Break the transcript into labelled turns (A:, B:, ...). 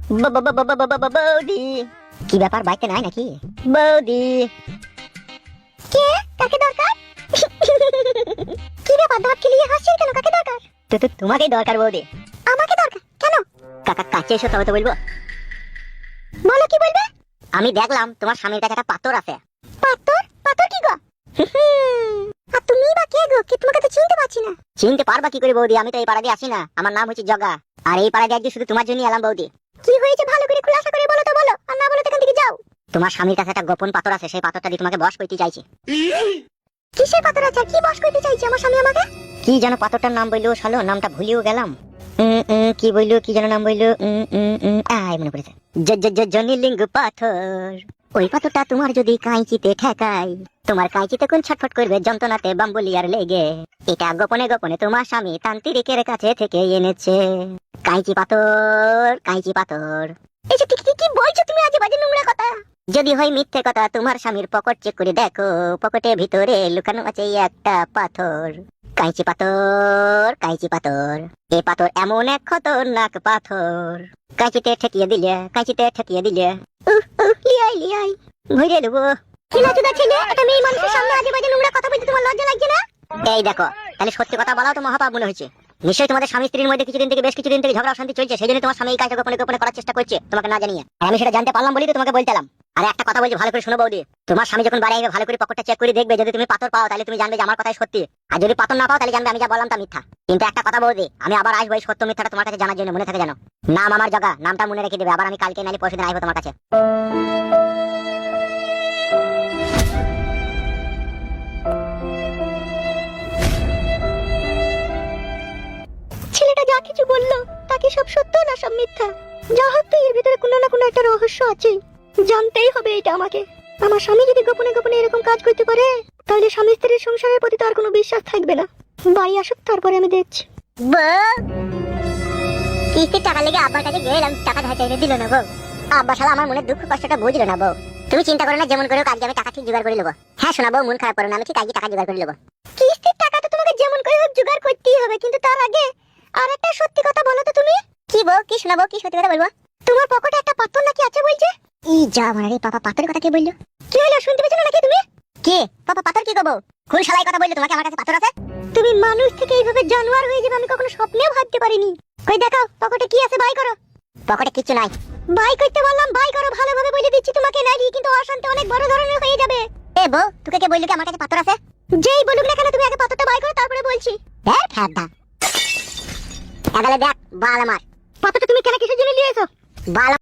A: বৌদি, কি ব্যাপার, বাইতে নাই নাকি? বৌদি, কে? কাকে দরকার? কি ব্যাপার, দাঁত খেলিয়ে হাসছেন কেন? কাকে দরকার? তোমাকেই দরকার বৌদি। আমাকে দরকার কেন? কাকা কাছে এসো, তবে তো বলবো। বলো, কি বলবে? আমি দেখলাম তোমার স্বামীর কাছে একটা পাথর আছে। পাথর? পাথর কি গো? আর তুমি বা কে গো? কি তোমাকে তো চিনতে পারছি না। চিনতে পারবা কি করে বৌদি? আমি তো এই পাড়া দিয়ে আসি না। আমার নাম হচ্ছে জগা। আর এই পাড়া দিয়ে আজকে শুধু তোমার জন্যই এলাম বৌদি। কি হয়েছে ভালো করে খুলাসা করে বলো তো, বলো। আর না বলে এখান থেকে যাও। তোমার স্বামীর কাছে একটা গোপন পাথর আছে, সেই পাথরটা দিয়ে তোমাকে বশ করতে চাইছে। কিসের পাথর আছে? কি বশ করতে চাইছে আমার স্বামী আমাকে? কি যেন পাথরটার নাম বললো, শালো নামটা ভুলিও গেলাম। কি বললো, কি যেন নাম বললো? মনে পড়েছে, জনিলিঙ্গ পাথর। ওই পাথরটা তোমার যদি কাঁচিতে ঠেকাই, তোমার কাঁচিতে কোন ছটফট করবে যন্ত্রণাতে বাম্বুলিয়ার লেগে। এটা গোপনে গোপনে তোমার স্বামী তান্ত্রিকের কাছে থেকে এনেছে। কাঁচি পাথর, কাঁচি পাথর। এইসব কি বলছো তুমি? আজে বাজে নোংরা কথা। যদি হয় মিথ্যে কথা, তোমার স্বামীর পকেট চেক করে দেখো, পকেটের ভিতরে লুকানো আছে একটা পাথর। কাঁচি পাথর, কাঁচি পাথর। এ পাথর এমন এক খতরনাক পাথর, কাঁচিতে ঠেকিয়ে দিলে, কাঁচিতে ঠেকিয়ে দিলে লিয়াই লিয়াই ভরে দেবো। কি লাচুদা ছেলে, একটা মেয়ে মানুষের সামনে আজে বাজে নোংরা কথা বলতে তোমার লজ্জা লাগছে না? এই দেখো, তাহলে সত্যি কথা বলাও তো মহাপাপ মনে হচ্ছে। নিশ্চয়ই তোমাদের স্বামী স্ত্রীর মধ্যে বেশ কিছুদিন থেকে ঝগড়া অশান্তি চলছে, সেই জন্য তোমার স্বামী এই কাজটা গোপনে গোপনে করার চেষ্টা করছে তোমাকে না জানিয়ে। আর আমি সেটা জানতে পারলাম বলি তো তোমাকে বলতেলাম। আর একটা কথা বলছি, ভালো করে শোনো বৌদি। তোমার স্বামী যখন বাড়ি আসবে, ভালো করে পকেটটা চেক করে দেখবে। যদি তুমি পাথর পাও, তাহলে তুমি জানবে যে আমার কথাই সত্যি। আর যদি পাথর না পাও, তাহলে জানবে আমি যা বললাম তা মিথ্যা। কিন্তু একটা কথা বৌদি, আমি আবার আসবো এই সত্য মিথ্যাটা তোমার কাছে জানার জন্য, মনে থাকে জানো। নাম আমার জগা, নামটা মনে রেখে দেবে। আবার আমি কালকে নালি পরশুদিন আসবো তোমার কাছে। ছেলেটা যা কিছু বললো, তাকে সব সত্য না সব মিথ্যা? যা হোক, তো এর ভিতরে কোনো না কোনো একটা রহস্য আছে। জানতেই হবে এটা আমাকে। আমার স্বামী যদি গোপনে গোপনে এরকম কাজ করতে পারে, তাহলে স্বামী স্ত্রীর সংসারের প্রতি তার কোনো বিশ্বাস থাকবে না। বাড়ি আসুক, তারপরে আমি দেখছি। কিস্তির টাকা লেগে আব্বার কাছে গেলাম, টাকা ধার চাইলে দিল না বউ। আব্বা শালা আমার মনে দুঃখ কষ্টটা বুঝলো না বউ। তুমি চিন্তা করো না, যেমন করে কাজে আমি টাকা ঠিক জোগাড় করে নেবো। হ্যাঁ শোনা বউ, মন খারাপ করো না, আমি ঠিক আজকে টাকা জোগাড় করে নেবো। কিস্তির টাকা তো তোমাকে যেমন করে হোক জোগাড় করতেই হবে, কিন্তু তার আগে আর একটা সত্যি কথা বলো তো তুমি। কি বউ, কি শোনাবো, কি সত্যি কথা বলবো? তোমার পকেটে একটা পাথর নাকি আছে বলছে? ই যা মানে রে পাপা, পাথরের কথা কে বললো? কি হলো, শুনতে পেছো নাকি তুমি? কে পাপা, পাথর কি করবো? কোন শালাই কথা বললো তোমাকে আমার কাছে পাথর আছে? তুমি মানুষ থেকে এইভাবে জানোয়ার হয়ে যাবে আমি কখনো স্বপ্নেও ভাবতে পারিনি। কই দেখাও, পকেটে কি আছে, বাই করো। পকেটে কিছু নাই। বাই করতে বললাম, বাই করো। ভালোভাবে বলে দিচ্ছি তোমাকে, নাইলে কিন্তু অশান্তি অনেক বড় ধরনের হয়ে যাবে। এ বউ, তোকে কে বললো কি আমার কাছে পাথর আছে? যেই বলুক না কেন, তুমি আগে পাথরটা বাই করো, তারপরে বলছি। হ্যাঁ ফ্যাদা এগালে দেখ বাল আমার। পাথরটা তুমি কেন কিসের জন্য নিয়ে এসো? বাল